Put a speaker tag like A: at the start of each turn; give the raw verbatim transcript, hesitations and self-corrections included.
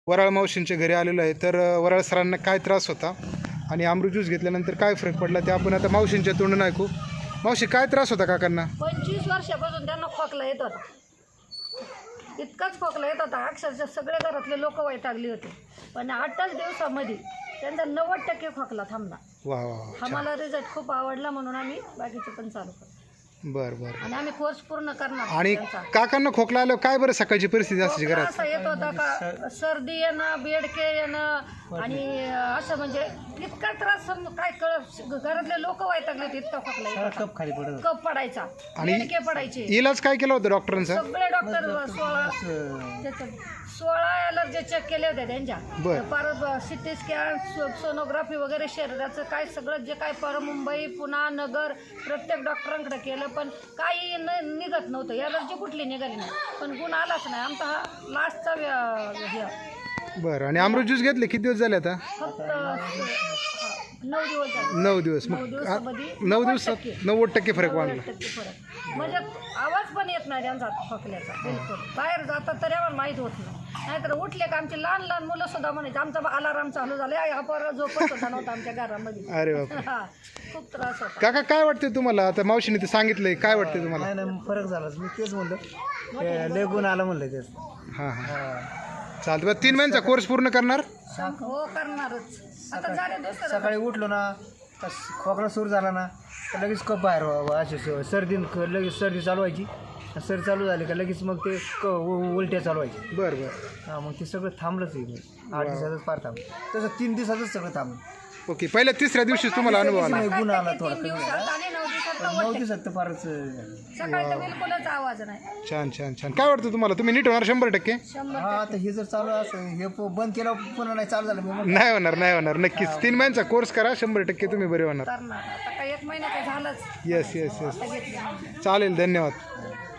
A: वराळ मावशींच्या घरी आलेलो आहे. तर वराळ सरांना काय त्रास होता आणि अमृत ज्यूस घेतल्यानंतर काय फरक पडला ते आपण आता मावशींच्या तोंडून ऐकू. मावशी, काय त्रास होता काकांना?
B: पंचवीस वर्षापासून त्यांना खोकला येत होता. इतकाच खोकला येत होता, अक्षरशः सगळे घरातले लोक वैतागली होते. पण आठच दिवसामध्ये त्यांचा नव्वद टक्के खोकला थांबला.
A: वा वा.
B: आम्हाला रिझल्ट खूप आवडला म्हणून आम्ही बाकीचे पण चालू करतो.
A: बरं बरं.
B: आणि आम्ही कोर्स पूर्ण करणार.
A: आणि काकांना खोकला आल्यावर काय बरं सकाळची परिस्थिती असते घरात?
B: असं येत होता का सर्दी येणं, बेडके येणं आणि असं म्हणजे इतका त्रास काय कळ घरातले लोक वैतागले होते. इतका खोकला येत होता.
C: कप खाली पडत
B: कप पडायचा,
A: आणि
B: बेडके पडायचे.
A: इलाज काय केला होता डॉक्टरांचा?
B: सगळे डॉक्टर सोळा त्याचं सोळा ॲलर्जी चेक केले होते त्यांच्या.
A: बरं.
B: परत सिटी स्कॅन, सोनोग्राफी वगैरे शरीराचं काय सगळं जे काय पर मुंबई, पुणा, नगर प्रत्येक डॉक्टरांकडे केलं, पण काही न निघत नव्हतं. ॲलर्जी कुठली निघाली नाही, पण गुण आलाच नाही. आमचा हा लास्टचा हे.
A: बरं. आणि अमृत ज्यूस घेतले किती दिवस झाले आता?
B: फक्त नऊ दिवस झाले.
A: नऊ दिवस.
B: नऊ
A: मग
B: दिवसामध्ये
A: नऊ दिवसात नव्वद टक्के फरक वाढला.
B: नव्वद टक्के फरक म्हणजे आवाज पण येत नाही त्यांचा खोकल्याचा बिलकुल. बाहेर जातात तरी आम्हाला माहीत होत नाही. नाहीतर उठले का आमची लहान लहान मुलं सुद्धा म्हणायचे आमचा अलाराम चालू झाला, हा पोरं झोपत होता नव्हता आमच्या घरामध्ये.
A: अरे बाप.
B: हा, खूप त्रास होता.
A: काका, काय वाटते तुम्हाला? आता मावशीने ते सांगितलंय, काय वाटते तुम्हाला?
C: नाही नाही फरक झालाच. मी तेच म्हणलं ते लय गुण आला म्हणलं तेच.
A: हां हां. चालतं. बरं, तीन महिन्याचा कोर्स पूर्ण करणार?
B: हो, करणारच. आता झाले दुसरं.
C: सकाळी उठलो ना तर खोकला सुरू झाला ना तर लगेच कप बाहेर व्हावं. असे सर्दी लगेच सर्दी चालू व्हायची. सर्दी चालू झाली का लगेच मग ते क उ- उलट्या चालू व्हायची.
A: बरं बरं.
C: हां, मग ते सगळं थांबलंच आहे. आठ दिवसातच फार थांबलं. तसं तीन दिवसातच सगळं थांबलं.
A: ओके. पहिल्या तिसऱ्या दिवशी तुम्हाला अनुभव आला?
C: नाही, गुण आला थोडा
B: तीन
C: कमी
B: दिवसात
C: झाला.
B: आणि नऊ दिवसात
C: पण
B: नव्वद
C: नऊ
B: टक्के.
C: दिवसात तर फारच झालं.
B: सकाळी तर बिलकुलच आवाज नाही.
A: छान छान छान. काय वाटतं तुम्हाला? तुम्ही नीट होणार शंभर टक्के?
B: शंभर
C: हा, आता हे जर चालू असं हे प- बंद केलं पुन्हा नाही चालू झालं मी म्हणलं,
A: नाही होणार, नाही होणार. नक्कीच तीन महिन्याचा कोर्स करा, शंभर टक्के तुम्ही बरे होणार.
B: करणार. आता काही एक महिना काही झालंच.
A: Yes yes yes.
B: आता घेतलं.
A: चालेल. धन्यवाद.